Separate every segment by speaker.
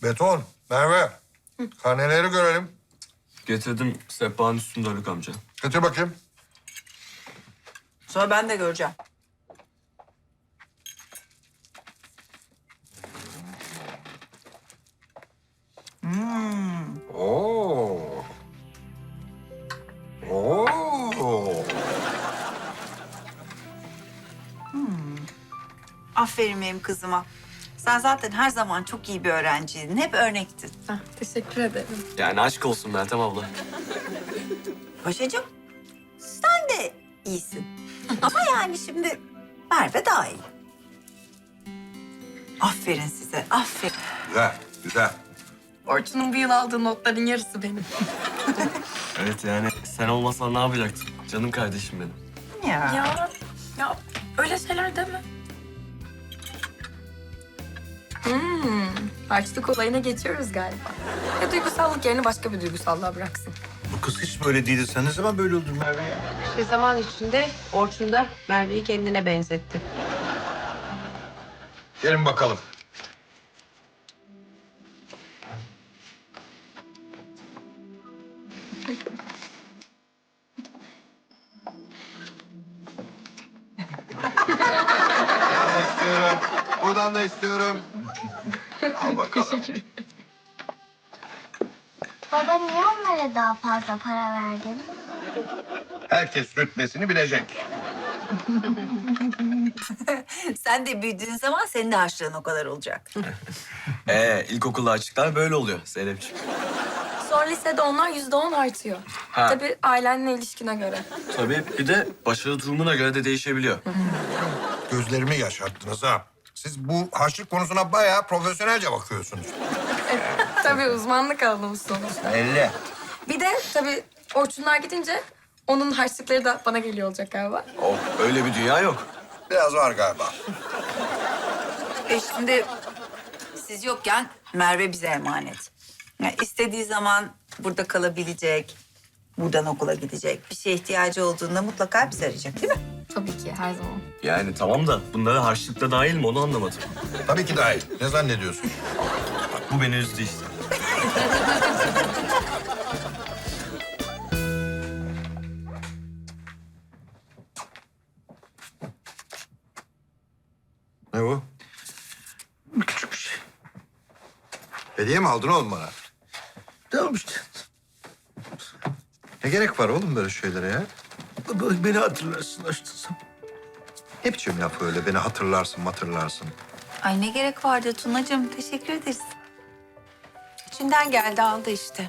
Speaker 1: Beton, Merve. Karneleri görelim.
Speaker 2: Getirdim sehpanın üstünde Haluk amca.
Speaker 1: Getir bakayım.
Speaker 3: Sonra ben de göreceğim.
Speaker 1: Oo. Oo.
Speaker 3: Aferin benim kızıma. Sen zaten her zaman çok iyi bir öğrenciydin. Hep örnektin.
Speaker 4: Ah, teşekkür ederim.
Speaker 2: Yani aşk olsun Meltem abla.
Speaker 3: Paşacığım, sen de iyisin. Ama yani şimdi Merve daha iyi. Aferin size, aferin.
Speaker 1: Güzel, güzel.
Speaker 4: Orçun'un bu yıl aldığı notların yarısı benim.
Speaker 2: Evet yani sen olmasan ne yapacaktım? Canım kardeşim benim.
Speaker 4: Ya öyle şeyler deme. Harçlık olayına geçiyoruz galiba. Ya duygusallık yerini başka bir duygusallığa bıraksın.
Speaker 1: Bu kız hiç böyle değildi. Sen ne zaman böyle oldun Merve ya?
Speaker 5: Bir zaman içinde Orçun da Merve'yi kendine benzetti.
Speaker 1: Gelin bakalım. istiyorum. Buradan da istiyorum. Al bakalım.
Speaker 6: Baba niye onlara daha fazla para verdin?
Speaker 1: Herkes rütbesini bilecek.
Speaker 3: Sen de büyüdüğün zaman senin de harçlığın o kadar olacak.
Speaker 2: İlkokulda açıklar böyle oluyor Zeynep'ciğim.
Speaker 4: Sonra lisede onlar %10 artıyor.
Speaker 2: Ha.
Speaker 4: Tabii ailenle ilişkine göre.
Speaker 2: Tabii bir de başarı durumuna göre de değişebiliyor.
Speaker 1: Gözlerimi yaşarttınız ha. Siz bu harçlık konusuna bayağı profesyonelce bakıyorsunuz.
Speaker 4: Tabii uzmanlık alanımız sonuçta.
Speaker 1: Belli.
Speaker 4: Bir de tabii Orçunlar gidince onun harçlıkları da bana geliyor olacak galiba.
Speaker 2: Oh, öyle bir dünya yok.
Speaker 1: Biraz var galiba.
Speaker 3: Şimdi siz yokken Merve bize emanet. Yani istediği zaman burada kalabilecek, buradan okula gidecek. Bir şeye ihtiyacı olduğunda mutlaka bizi arayacak değil mi?
Speaker 4: Tabii ki her zaman.
Speaker 2: Yani tamam da bunlara harçlıkta dahil mi onu anlamadım.
Speaker 1: Tabii ki dahil. Ne zannediyorsun?
Speaker 2: Bu beni üzdü işte.
Speaker 1: Ne bu? Küçük bir şey. Hediye mi aldın oğlum bana?
Speaker 7: Tamam işte.
Speaker 1: Ne gerek var oğlum böyle şeylere ya?
Speaker 7: Beni hatırlarsın açtırsam.
Speaker 1: Ne biçim laf öyle? Beni hatırlarsın.
Speaker 3: Ay ne gerek vardı Tunacığım. Teşekkür ederiz.
Speaker 5: İçinden geldi aldı işte.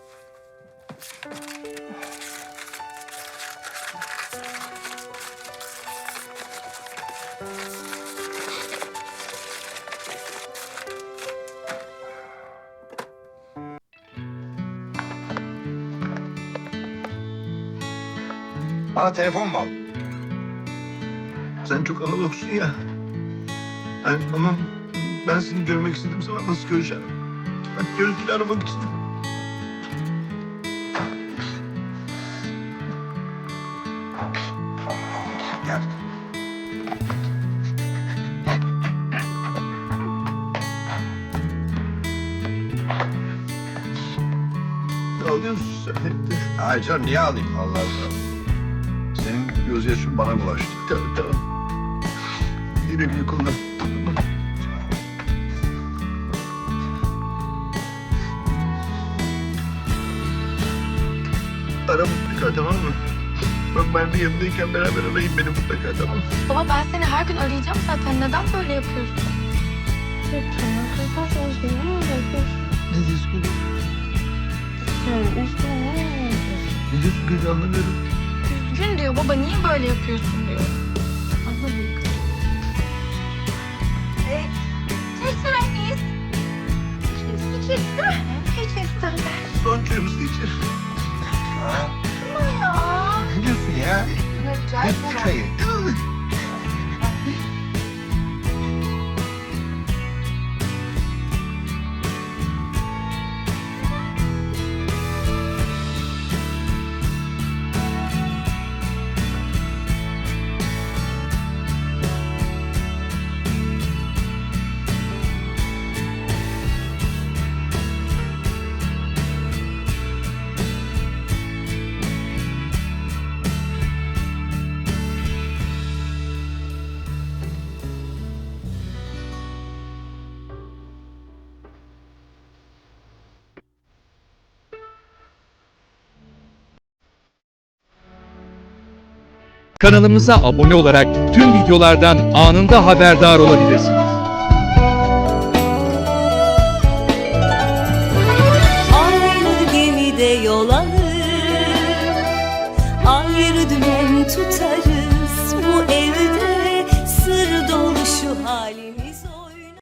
Speaker 1: Bana telefon mu aldın?
Speaker 7: Sen çok analogsun ya. Yani ama ben seni görmek istediğim zaman nasıl göreceğim? Bak görüntülü aramak için.
Speaker 1: Gel.
Speaker 7: Ne alıyorsun sen hep de?
Speaker 1: Ay canım niye alayım Allah Allah. Senin gözyaşın bana bulaştı.
Speaker 7: Tamam. Güle güle kullan. Ara mutlaka tamam mı? Ben de yanındayken beraber arayayım beni mutlaka tamam mı?
Speaker 4: Baba ben seni her gün arayacağım zaten. Neden böyle yapıyorsun?
Speaker 7: Ne diyorsun gülüm? Ne diyorsun gülüm anlamıyorum.
Speaker 4: Üzgün diyor baba. Niye böyle yapıyorsun diyor. Anlamadım.
Speaker 7: Son çayımızı içelim.
Speaker 1: Ne diyorsun ya? Ne bu çayı?
Speaker 8: Kanalımıza abone olarak tüm videolardan anında haberdar olabilirsiniz.
Speaker 9: Aynı gemide yol alır, ayrı dümen tutarız.